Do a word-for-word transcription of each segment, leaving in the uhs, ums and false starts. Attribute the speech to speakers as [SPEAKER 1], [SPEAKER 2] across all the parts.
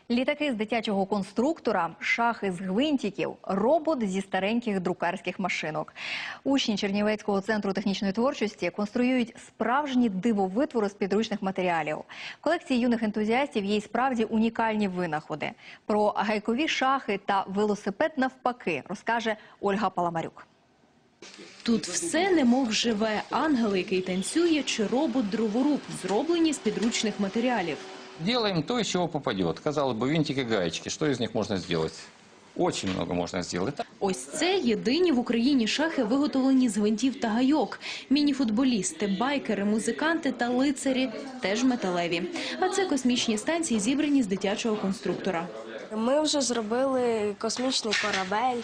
[SPEAKER 1] Літаки з дитячого конструктора, шахи з гвинтиків, робот зі стареньких друкарських машинок. Учні Чернівецького центру технічної творчості конструюють справжні дивовитвори з підручних матеріалів. В колекції юних ентузіастів є й справді унікальні винаходи. Про гайкові шахи та велосипед навпаки розкаже Ольга Паламарюк.
[SPEAKER 2] Тут все немов живе. Ангел, який танцює, чи робот-дроворуб, зроблені з підручних матеріалів.
[SPEAKER 3] Делаем то, из чего попадет. Казалось бы, винтики, гаечки. Что из них можно сделать? Очень много можно сделать.
[SPEAKER 2] Ось це єдині в Україні шахи, виготовлені з гвинтів та гайок. Міні-футболісти, байкери, музиканти та лицарі – теж металеві. А це космічні станції, зібрані з дитячого конструктора.
[SPEAKER 4] Ми вже зробили космічний корабель,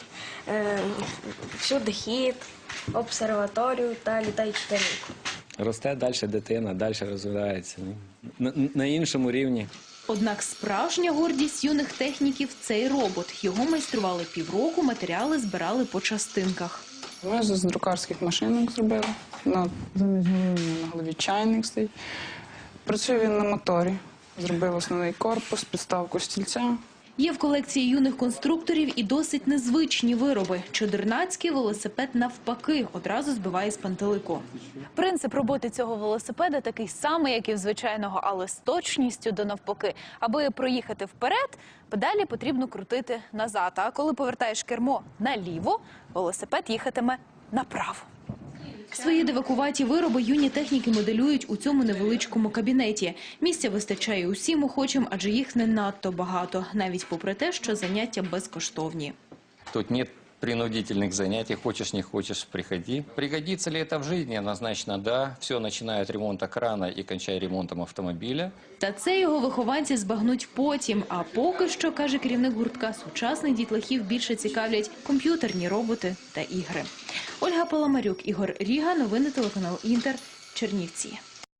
[SPEAKER 4] всюдихід, обсерваторію та літаючу тарілку.
[SPEAKER 5] Росте далі дитина, далі розвивається на, на іншому рівні.
[SPEAKER 2] Однак справжня гордість юних техніків – цей робот. Його майстрували півроку, матеріали збирали по частинках.
[SPEAKER 6] Ми з друкарських машинок зробили. На, замість голови на голові чайник стоїть. Працює він на моторі. Зробив основний корпус, підставку стільця.
[SPEAKER 2] Є в колекції юних конструкторів і досить незвичні вироби. Чудернацький велосипед навпаки одразу збиває з пантелику.
[SPEAKER 7] Принцип роботи цього велосипеда такий самий, як і в звичайного, але з точністю до навпаки. Аби проїхати вперед, педалі потрібно крутити назад. А коли повертаєш кермо наліво, велосипед їхатиме направо.
[SPEAKER 2] Свої дивакуваті вироби юні техніки моделюють у цьому невеличкому кабінеті. Місця вистачає усім охочим, адже їх не надто багато, навіть попри те, що заняття безкоштовні.
[SPEAKER 3] Тут нет принудительных занятий, хочешь не хочешь, приходи. Пригодится ли это в жизни? Однозначно да. Все начиная от ремонта крана и кончая ремонтом автомобиля.
[SPEAKER 2] Та це його вихованці збагнуть потім. А поки що, каже керівник гуртка, сучасних дітлахів більше цікавлять комп'ютерні роботи та ігри. Ольга Паламарюк, Ігор Ріга, новини телеканал Інтер, Чернівці.